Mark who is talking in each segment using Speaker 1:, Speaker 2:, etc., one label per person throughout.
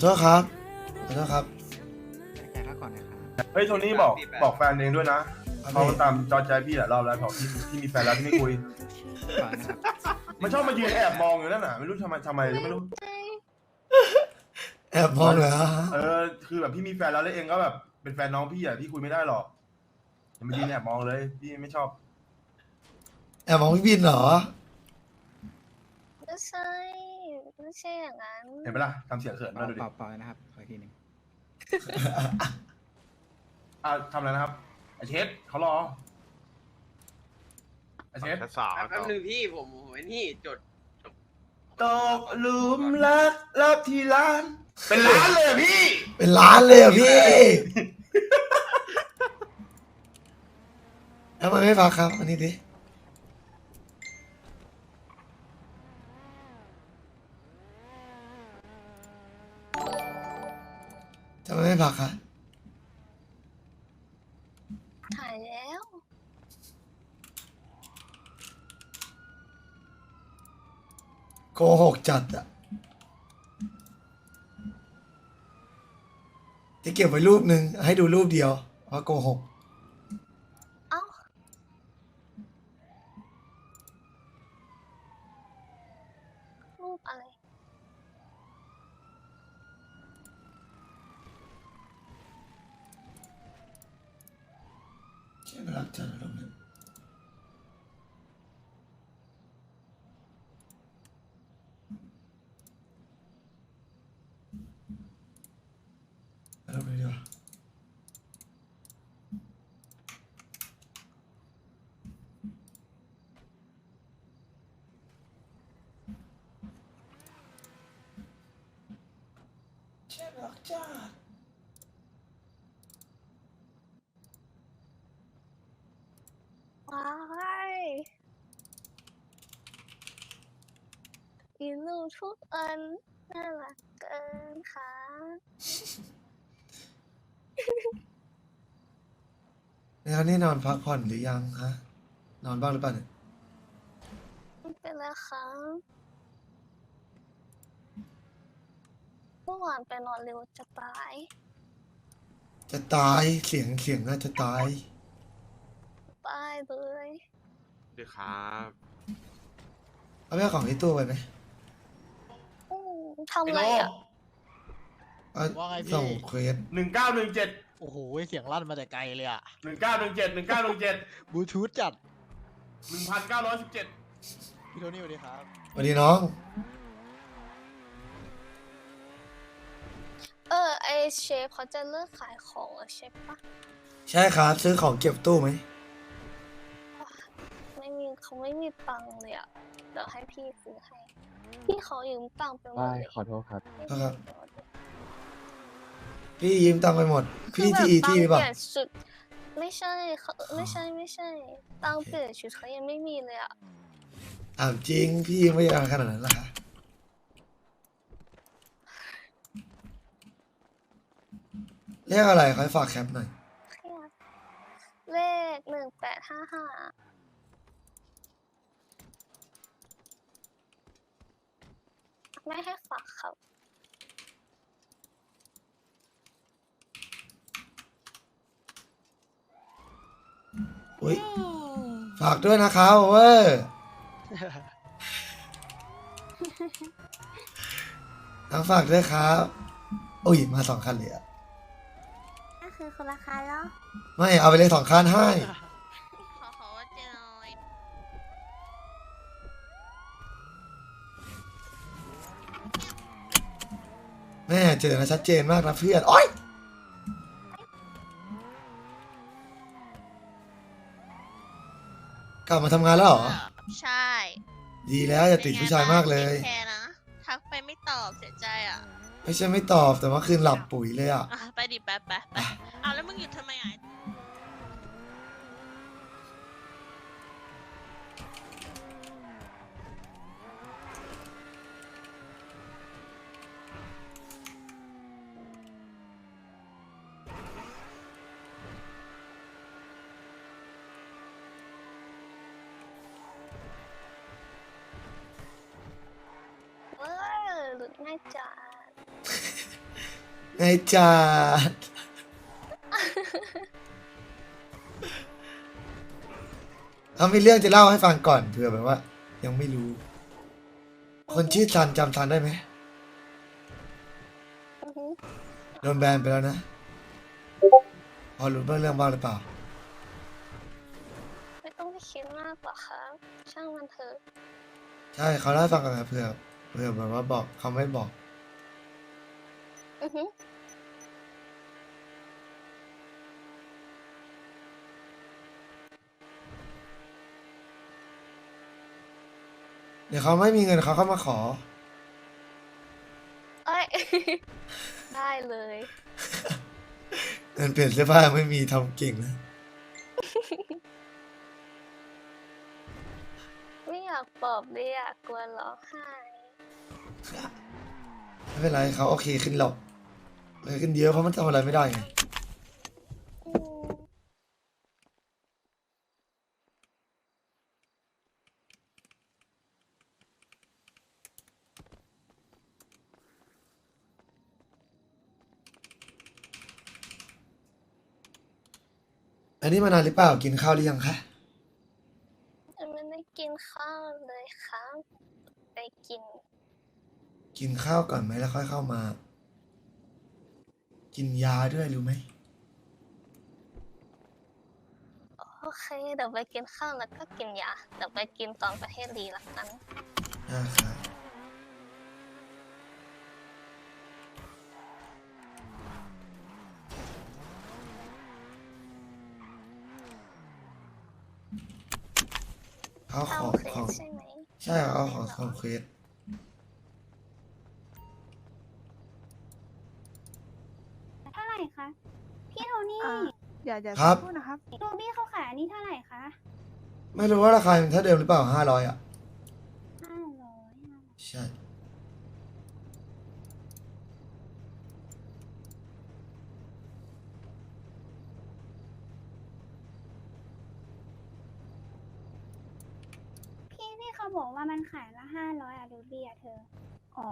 Speaker 1: โทษครับขอโทษครับ
Speaker 2: จ่ายค่าก่อนนะครับ
Speaker 3: เฮ้ยโทนี่บอกแฟนเองด้วยนะเขาตามจอใจพี่หลายรอบแล้วบอกพี่มีแฟนแล้วที่ไม่คุย
Speaker 2: ก่อนนะครับ
Speaker 3: มันชอบมายืนแอบมองอยู่นั่นน่ะไม่รู้ทำไมก็ไม่รู้
Speaker 1: แอบมองเหรอ
Speaker 3: คือแบบพี่มีแฟนแล้วแล้วเองก็แบบเป็นแฟนน้องพี่อ่ะพี่คุยไม่ได้หรอกอย่ามายืนแอบมองเลยพี่ไม่ชอบ
Speaker 1: แอบมองพี่บินเหรอ
Speaker 4: ไม่ใช่ไม่ใช่อย่างนั้น
Speaker 3: เห็นไหมล่ะทำเสียงเขินมาดูดิ
Speaker 2: เปล่านะครับขออีกทีหนึ่ง
Speaker 3: ทำอะไรนะครับไอเชฟเขารอไอเชฟ
Speaker 5: แป๊บนึงพี่ผมไอ้นี่จด
Speaker 3: ตกหลุมรักรับที่ร้าน เป็นร้านเลยอะพี่
Speaker 1: เป็นล้านเลยเหรอ่ะพี่ทำไมไม่ฟังครับอันนี้ดิทำไมไม่ฟังครับ
Speaker 4: ถ่ายแล้ว
Speaker 1: โกหกจัดอะจะเก็บไว้รูปหนึ่งให้ดูรูปเดียวเพราะโกหก
Speaker 4: เอ้ารูปอะไร
Speaker 1: ใช่ไหมรักจัดรูปหนึ่งรูปนี้ดีกว่าใช่ไหมรักจัด
Speaker 4: ว้ายอีลูกทุกอันน่ารักเกินค่ะ
Speaker 1: แล้วนี่นอนพักผ่อนหรือยังฮะนอนบ้างหรือเปล่าเนี่ย
Speaker 4: ไม่เป็นไรค่ะเมื่อวานไปนอนเร็วจะตาย
Speaker 1: จะตายเสียงน่าจะตาย
Speaker 4: ตายเลย
Speaker 5: ดีครับ
Speaker 1: เอาไปเอาของที่ตู้ไปไหม
Speaker 4: อืมทำอะไรอ่ะ
Speaker 1: เอา
Speaker 6: ว่าไงพี่
Speaker 1: ส่งเควส
Speaker 3: 1917
Speaker 6: โอ้โหเสียงลั่นมาแต่ไกลเลยอะ
Speaker 3: 1917
Speaker 6: บลูทูธจัด
Speaker 3: 1917
Speaker 6: พี่โทนี่สวัสดีครับ
Speaker 1: สวัสดีน้อง
Speaker 4: ไอเชฟเขาจะเลิกขายของเหรอเชฟปะ
Speaker 1: ใช่ครับซื้อของเก็บตู้ไหม
Speaker 4: ไม่มีเขาไม่มีตังค์เลยอ่ะ เดี๋ยวให้พี่ซื้อให้ พี่เขายืมตังค์ไปหมดเลย
Speaker 6: ขอโทษครับ
Speaker 4: ไม่มีเดี๋ยว
Speaker 1: พี่ยืมตังค์ไปหมด พี่
Speaker 4: คือ
Speaker 1: ที่
Speaker 4: แบบ
Speaker 1: ที่หรือเป
Speaker 4: ตัง
Speaker 1: ล่า
Speaker 4: ค์เปลี่ยนชุดไม่ใช่เขาไม่ใช่ตังค์เปลี่ยนชุดเขายังไม่มีเลยอ่ะ
Speaker 1: ถามจริงพี่ยืมไม่ยังขนาดนั้นล่ะคะเรียกอะไรขอให้ฝากแคปหน่อย
Speaker 4: เครียดเลข1855ไม่ให้ฝากครับ
Speaker 1: อุ้ยฝากด้วยนะครับเว้ยทั้งฝากด้วยครับโอ้ยมา2 คันเลยอะ
Speaker 4: ก็คือคนละคันแล้ว
Speaker 1: ไม่เอาไปเลย2 คันให้
Speaker 4: ขอว่าเจนอย
Speaker 1: แม่เจอนะชัดเจนมากนะเพื่อนโอ๊ยกลับมาทำงานแล้วเหรอ
Speaker 7: ใช่
Speaker 1: ดีแล้วอย่าติดผู้ชายมากเลย
Speaker 7: แคร์นะ ทักไปไม่ตอบเสียใจอ่ะ
Speaker 1: ไม่ใช่ไม่ตอบแต่ว่าคืนหลับปุ๋ยเลยอ่ะ
Speaker 7: อ่ะ ไปดิไปอ้าวแล้วมึงหยุดทำไมอ่ะ
Speaker 4: หลุดง่ายจัด
Speaker 1: ในจัดเขามีเรื่องจะเล่าให้ฟังก่อนเผื่อแบบว่า ยังไม่รู้ คนชื่อซันจำซันได้ไหม
Speaker 4: อือฮึ
Speaker 1: โดนแบนไปแล้วนะ พอรู้เรื่องบ้างหรือเปล่า
Speaker 4: ไม่ต้องไปคิดมากหรอกครับช่างมันเถอะ
Speaker 1: ใช่เขาเล่าให้ฟังกันนะเผื่อแบบว่าบอกเขาไม่บอก
Speaker 4: อือฮึ
Speaker 1: เดี๋ยวเขาไม่มีเงินเขาเข้ามาขอ
Speaker 4: เอ้ย ได้เลย
Speaker 1: เงินเปลี่ยนเสื้อผ้ายังไม่มีทำเก่งนะ
Speaker 4: ไม่อยากปลอบเลยอ่ะกลัวร้องไห้
Speaker 1: ไม่เป็นไรเขาโอเคขึ้นหรอกโอเคขึ้นเยอะเพราะมันทำอะไรไม่ได้ไง
Speaker 4: อืม
Speaker 1: อันนี้มานานหรือเปล่ากินข้าวหรือยังคะ
Speaker 4: ยังไม่ได้กินข้าวเลยครับไปกิน
Speaker 1: กินข้าวก่อนไหมแล้วค่อยเข้ามา กินยาด้วยรู้ไหม
Speaker 4: โอเคเดี๋ยวไปกินข้าวแล้วก็กินยาเดี๋ยวไปกินตอนประเทศดีละกัน
Speaker 1: นะครับเขาข
Speaker 4: ข้าว
Speaker 1: อ
Speaker 4: เค
Speaker 1: ของ
Speaker 4: ใช่ไหม
Speaker 1: ใช่เอาของเควส
Speaker 8: เท่าไหร่คะ พี่โทนี่
Speaker 9: เดี๋ยว
Speaker 1: ครับ
Speaker 9: พูดนะครับ
Speaker 8: โทนี่เขาขายอันนี้เท่าไหร่คะ
Speaker 1: ไม่รู้ว่าราคามันเท่าเดิมหรือเปล่า500อ่ะ
Speaker 8: 500
Speaker 1: ใช่
Speaker 8: พี่เขาบอกว่ามันขายละ500อะรูบี้อะเธอ
Speaker 9: อ๋อ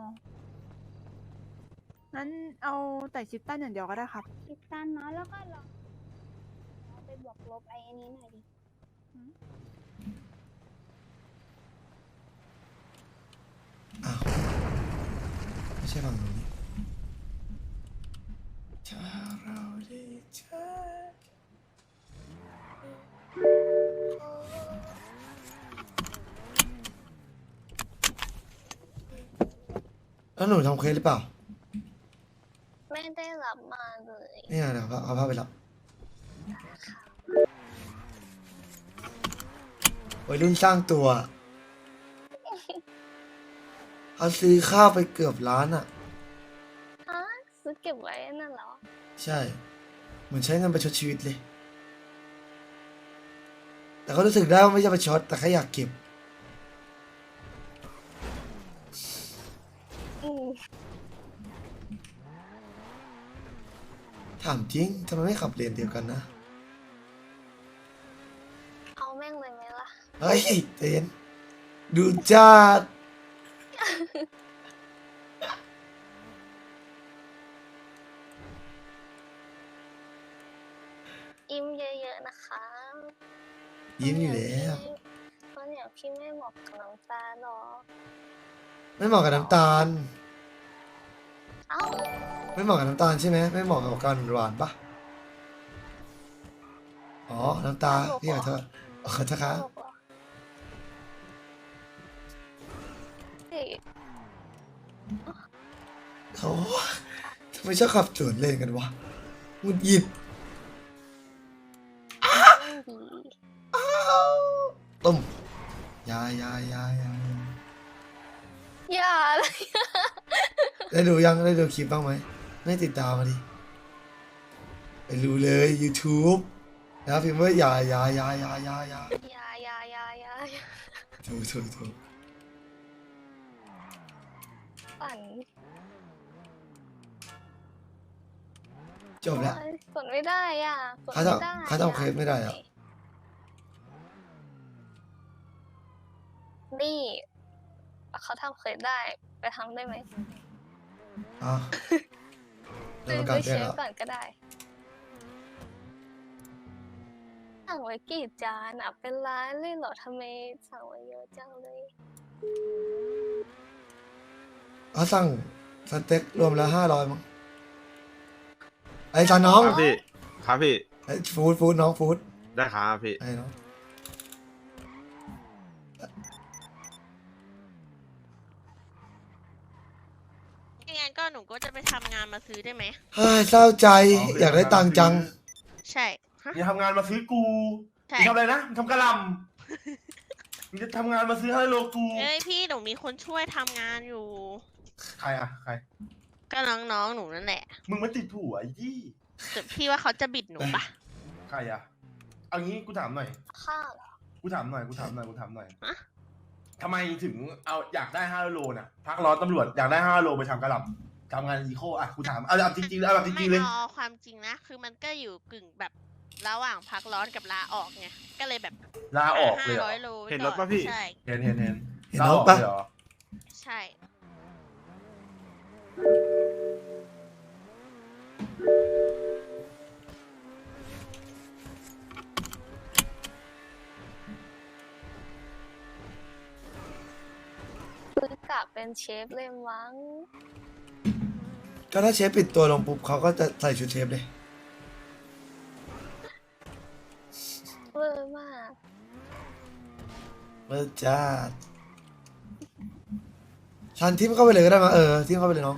Speaker 9: นั้นเอาแต่ชิปตันอย่างเดียวก็ได้ครับ
Speaker 8: คิดตันเนาะแล้วก็ลองเอาไปบวกลบไอ้อันนี้หน่อยดิ
Speaker 1: อ้าวไม่ใช่ฝั่งนู้นนี่ถ้าเราได้เจอแล้วหนูทำเควสหรือเปล่า
Speaker 4: ไม่ได้รับมาเลย
Speaker 1: เนี่ยเดี๋ยวเอาผ้าไปรับวัยรุ่นสร้างตัวเขาซื้อข้าวไปเกือบล้านอ่ะ
Speaker 4: ฮะซื้อเก็บไว้นั่นเหรอ
Speaker 1: ใช่ เหมือนใช้เงินประชดชีวิตเลย แต่เขารู้สึกได้ว่าไม่ใช่ประชดแต่แค่อยากเก็บ
Speaker 4: อืม
Speaker 1: ถามจริงทำไมไม่ขับเลนเดียวกันนะ
Speaker 4: เอาแม่งเลยไหมล่ะ
Speaker 1: เฮ้ยเต้นดูจัด
Speaker 4: อิ่มเยอะๆนะคะ
Speaker 1: ยิ้มอยู่แล้ว
Speaker 4: เพราะอย่างพี่ไม่เหมาะกับน้ำตาลหรอก
Speaker 1: ไม่เหมาะกับน้ำตาล
Speaker 4: เอ้า
Speaker 1: ไม่เหมาะกับน้ำตาลใช่ไหมไม่เหมาะกับการหวานปะอ๋อ น้ำตาพี่ขอโทษขอโทษครับ
Speaker 4: ตลกเหรอเฮ้ย
Speaker 1: โอ้ทำไมชอบขับสวนเลนกันวะหงุดหงิด
Speaker 4: ดี
Speaker 1: ต้มยา
Speaker 4: อย่าเลย
Speaker 1: ได้ดูยังได้ดูคลิปบ้างไหมไม่ติดตามมาดิไปดูเลย YouTube นะพิมพ์ว่าอย่า
Speaker 4: อย่า
Speaker 1: ถูก
Speaker 4: ปั่น
Speaker 1: จบแล้ว
Speaker 4: โอ๊ยกดไม่ได้อ่ะกด
Speaker 1: เขา
Speaker 4: ไม่
Speaker 1: ทำ
Speaker 4: ได้
Speaker 1: เขาทำเคสไม่ได้อะ
Speaker 4: นี่เขาทำเคยได้ไปทำได้ไหม
Speaker 1: อ่ะเดี๋ยว
Speaker 4: ซื้
Speaker 1: ป
Speaker 4: อ
Speaker 1: ระ
Speaker 4: ไป
Speaker 1: กาศแจ้
Speaker 4: เช็
Speaker 1: ง
Speaker 4: ค
Speaker 1: แล้ว
Speaker 4: ก่อนก็ได้สั่งไว้กี่จานอ่ะเป็นร้านเลยเหรอทำไมสั่งไว้เยอะจังเลย
Speaker 1: เขาสั่งสเต็กรวมแล้ว500มั้งไอ้จานน้อง
Speaker 5: ครับพี่ ครับพี่
Speaker 1: ไอ้ฟู้ดน้องฟู้ด
Speaker 5: ได้ครับพี่
Speaker 1: ไอ้น้อง
Speaker 7: งั้นก็หนูก็จะไปทำงานมาซื้อได้ไหม
Speaker 1: เฮ้ยเศร้าใจอยากได้ตังค์จัง
Speaker 7: ใช่ฮะ
Speaker 3: อย่าทำงานมาซื้อกู
Speaker 7: ใช่
Speaker 3: มึงทำอะไรนะมึงทำกะหล่ำมึงจะทำงานมาซื้อให้โลกู
Speaker 7: เอ้ยพี่หนูมีคนช่วยทำงานอยู่
Speaker 3: ใครอะใคร
Speaker 7: ก็น้องๆหนูนั่นแหละ
Speaker 3: มึงไม่ติดผัวไอ้ยี่
Speaker 7: แต่พี่ว่าเขาจะบิดหนูปะ
Speaker 3: ใครอะเอางี้กูถามหน่อย
Speaker 4: ข้าวเหรอ
Speaker 3: กูถามหน่อย
Speaker 7: ฮะ
Speaker 3: ทำไมถึงเอาอยากได้5 โลน่ะ พักร้อนตำรวจอยากได้5 โลไปทำกะหล่ำทำงานอีโคอ่ะกูถามเอาแบบจริงๆเอาแบบจ
Speaker 7: ไม่
Speaker 3: ริงๆเลย
Speaker 7: เอาความจริงนะ คือมันก็อยู่กึ่งแบบระหว่างพักร้อนกับลาออกไง ก็เลยแบบ
Speaker 3: ลาออกเลยเหรอ
Speaker 7: 500 โลไว้
Speaker 5: เห็น
Speaker 7: ก่
Speaker 5: รถปะพี่
Speaker 7: ใช่
Speaker 3: เห็น
Speaker 1: เห็น
Speaker 3: ลาร
Speaker 1: ถ
Speaker 3: ออก
Speaker 1: ปะ
Speaker 3: เลยเหรอ
Speaker 7: ใช่
Speaker 4: ซื้อกะเป็นเชฟเลยมั้ง
Speaker 1: ก็ถ้าเชฟปิดตัวลงปุ๊บเขาก็จะใส่ชุดเชฟเลย
Speaker 4: เวอร์มาก
Speaker 1: เมื่อจ้าชันทิมเข้าไปเลยก็ได้มาทิมเข้าไปเลยน้อง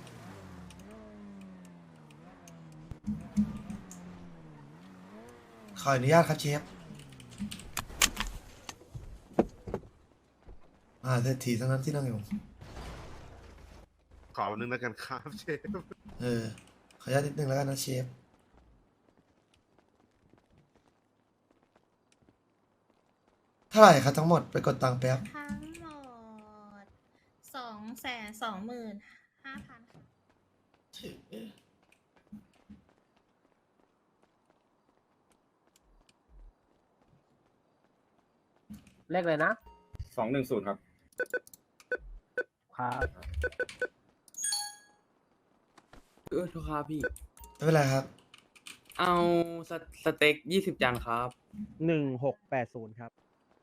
Speaker 1: ขออนุญาตครับเชฟเศรษฐีทั้งนั้นที่นั่งอยู่
Speaker 5: ขอนึงแล้วกันครับเชฟ
Speaker 1: ขออนุญาตนิดนึงแล้วกันนะเชฟเท่าไหร่ครับทั้งหมดไปกดตังค์แป๊บ
Speaker 10: ทั้งหมด225,000
Speaker 6: เลขเลยนะ
Speaker 2: 210 ครับ
Speaker 6: ครับ
Speaker 11: ทุกครับพี่
Speaker 1: ไม่เป็นไรครับ
Speaker 11: เอาสเต็ก20 จานครับ
Speaker 6: 1680 ครับ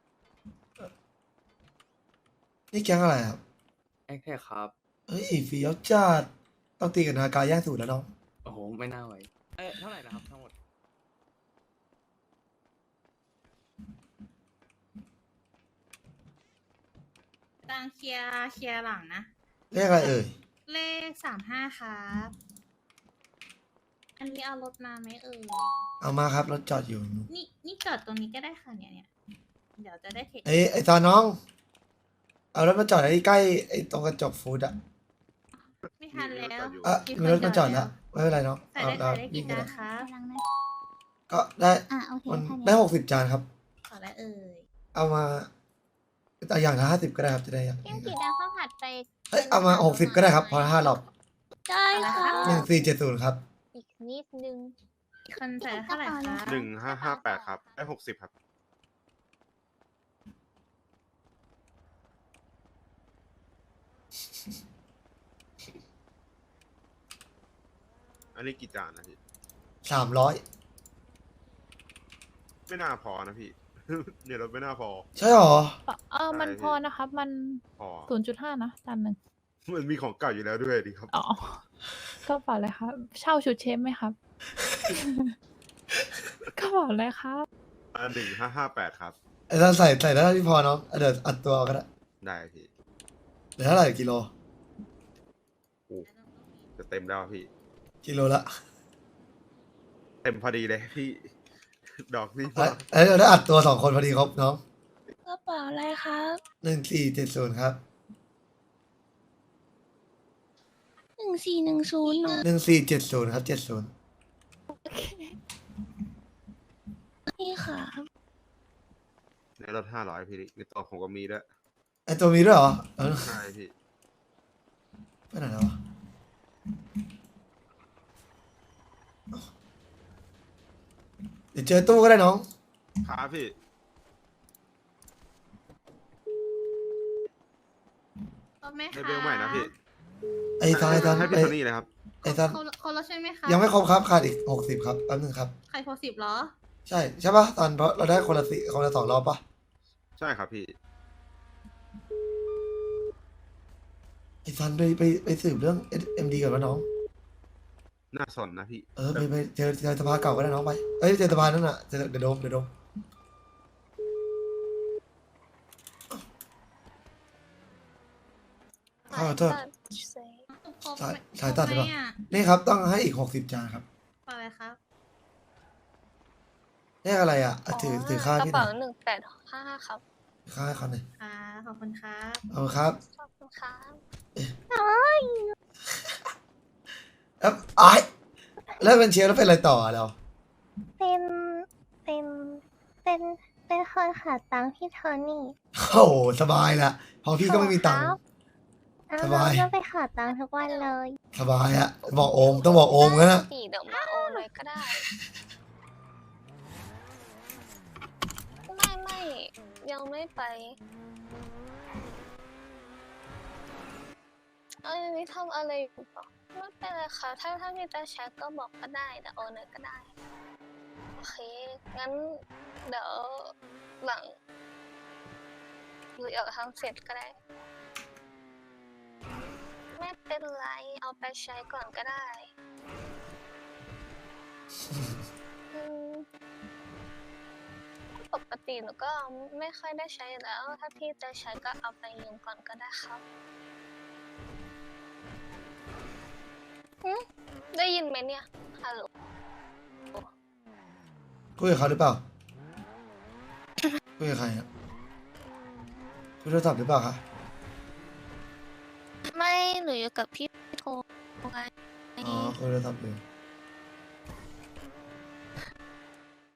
Speaker 1: นี่แก๊งอะไรครับ
Speaker 11: แอคแท็กครับ
Speaker 1: เฮ้ยเฟี้ยวจัดต้องตีกับนากาแย่งสูตรแล้วน้อง
Speaker 11: โอ้โห ไม่น่าไหว เท่าไหร่นะครับทั้งหมด
Speaker 10: ตังเคลียร์หลังนะ
Speaker 1: เลขอะไรเอ่ย
Speaker 10: เลข35ครับ อันนี้เอารถมาไหมเอ่ย
Speaker 1: เอามาครับรถจอดอยู่
Speaker 10: นี่จอดตรงนี้ก็ได้ค่ะเนี่ยเดี๋ยวจะได้เทค
Speaker 1: ไอ้ตอนน้อง เอารถมาจอดไอ้ใกล้ไอ้ตรงกระจกฟูดอะ
Speaker 10: ไม่ทันแล้ว
Speaker 1: มีรถมาจอดแล้วไม่เป็นไรน้อง
Speaker 10: ใส่
Speaker 1: เอา
Speaker 10: ได้
Speaker 1: เรา
Speaker 10: ใส่ได้
Speaker 1: วิ่
Speaker 10: กี่
Speaker 1: งไป
Speaker 10: จาน
Speaker 1: เลย
Speaker 10: คะ
Speaker 1: ก็ได้
Speaker 8: โอเค
Speaker 1: มัน
Speaker 8: ค่ะ
Speaker 1: ได้60 จานครับ
Speaker 10: ขอแล้วเอ่ย
Speaker 1: เอามาเอาอย่างละ50ก็ได้ครับจะได้อย่าง
Speaker 8: เพียงกี่ดาวข้าวผัดไป
Speaker 1: เฮ้ยเอามา60ก็ได้ครับพอละ5รอบ
Speaker 8: ได้ค่ะ
Speaker 1: 1470ครับ
Speaker 4: อีกนิดนึง
Speaker 10: คนใส่เท่าไหร่คะ
Speaker 5: 1558 ครับ ได้ 60 ครับ อันนี้กี่จานนะพี่
Speaker 1: 300
Speaker 5: ไม่น่าพอนะพี่ เนี่ยรถไม่น่าพอ
Speaker 1: ใช่หรอ
Speaker 5: มันพอนะครับ
Speaker 9: มัน
Speaker 5: พอ
Speaker 9: 0.5 นะจานหนึ่ง
Speaker 5: มันมีของเก่าอยู่แล้วด้วยดีครับ
Speaker 9: อ๋อ ก็เปล่าเลยครับ เช่าชุดเชฟไหมครับ ก็เปล่าเลยครับ
Speaker 5: 1558 ครับ
Speaker 1: ไอ้ถ้าใส่ได้ที่พอน้องเดี๋ยวอัดตัวก็ได้
Speaker 5: ได้พี่
Speaker 1: เดี๋ยวเท่าไหร่กิโล
Speaker 5: จะเต็มแล้วพี่
Speaker 1: กิโลละ
Speaker 5: เต็มพอดีเลยพี่ ดอกนี่พ
Speaker 1: เอ้
Speaker 5: อย
Speaker 1: เดี๋ยวได้อัดตัว2คนพอดีครบน้อง
Speaker 4: กระเป๋าอะไรครับ
Speaker 1: 1470ครับ
Speaker 4: 1410เนอะ
Speaker 1: 1470ครับ70
Speaker 4: นี่ค่ะ
Speaker 5: ในรถ500พี่ในตัวผมก็มีด้วย
Speaker 1: ไอตัวมีด้วยเหรอ
Speaker 5: ใช่พี่
Speaker 1: ไปไหนแล้ววะเดี๋ยวเจอตู้ก็ได้น้อง
Speaker 5: ครับพี่
Speaker 10: รถไหม
Speaker 5: ใน
Speaker 10: คะ
Speaker 5: เบลใหม่นะพี่
Speaker 1: ไอ้ตอน
Speaker 5: ให้พี่
Speaker 1: ไอ้
Speaker 5: โทนี่เลยครับ
Speaker 1: ไอ้ซัน
Speaker 10: เขาแล้วใช่ไหมคะ
Speaker 1: ยังไม่ครบครับขาดอีก60ครับแป๊บนึงครับ
Speaker 10: ใครพอ10เหรอ
Speaker 1: ใช่ปะตอนเพราะเราได้คนละ2 รอบปะ
Speaker 5: ใช่ครับพี่
Speaker 1: ไอ้ซันไปสืบเรื่อง SMD ก่อนวะน้อง
Speaker 5: น่าสนนะพี่
Speaker 1: ไปเจอสภาเก่าก็ได้น้องไปเอ้ยเจอสภานั่นน่ะเดี๋ยวโดมขอโทษ สายตัดใช่ปะ นี่ครับต้องให้อีก60 จานครับ
Speaker 10: เปล่าอะไรครับ
Speaker 1: เลขอะไรอ่ะถือค่าก
Speaker 4: ระ
Speaker 1: พี่หน่
Speaker 4: เป๋า
Speaker 1: อย
Speaker 4: 1855ครับ
Speaker 1: ค่าให้เขาหน่อย
Speaker 10: ค่ะขอบคุณครับ
Speaker 1: เอาครับ
Speaker 4: ขอบคุณครับ
Speaker 1: แล้วเป็นเชียร์แล้วเป็นอะไรต่อเรา
Speaker 8: เป็นเป็นเป็นคนหาตังค์พี่โทนี่
Speaker 1: โอ้โหสบายละพอพี่ก็ไม่มีตังค์ สบาย
Speaker 8: ก็ไปหาตังค์ทุกวันเลย
Speaker 1: สบายอะบอกโอมต้องบอกโอมกันนะ
Speaker 4: เดี๋ยวมาโอนเลยก็ได้ ไม่ยังไม่ไปนี่ทำอะไรอยู่ปะไม่เป็นไรค่ะถ้ามีแต่แชทก็บอกก็ได้แต่โอนเลยก็ได้ โอเค งั้นเดี๋ยวหลังหรืออยากทำเสร็จก็ได้ ไม่เป็นไรเอาไปใช้ก่อนก็ได้ ปกติหนูก็ไม่ค่อยได้ใช้แล้ว ถ้าพี่จะใช้ก็เอาไปยืมก่อนก็ได้ครับได้ยินไหมเนี่ย ฮัลโหล
Speaker 1: คุยกับเขาหรือเปล่าคุยกับใครอะคุยโทรศัพท์หรือเปล่าคะ
Speaker 4: ไม่หนูอยู่กับพี่โทรไง
Speaker 1: อ๋อคุยโทรศัพท์อยู่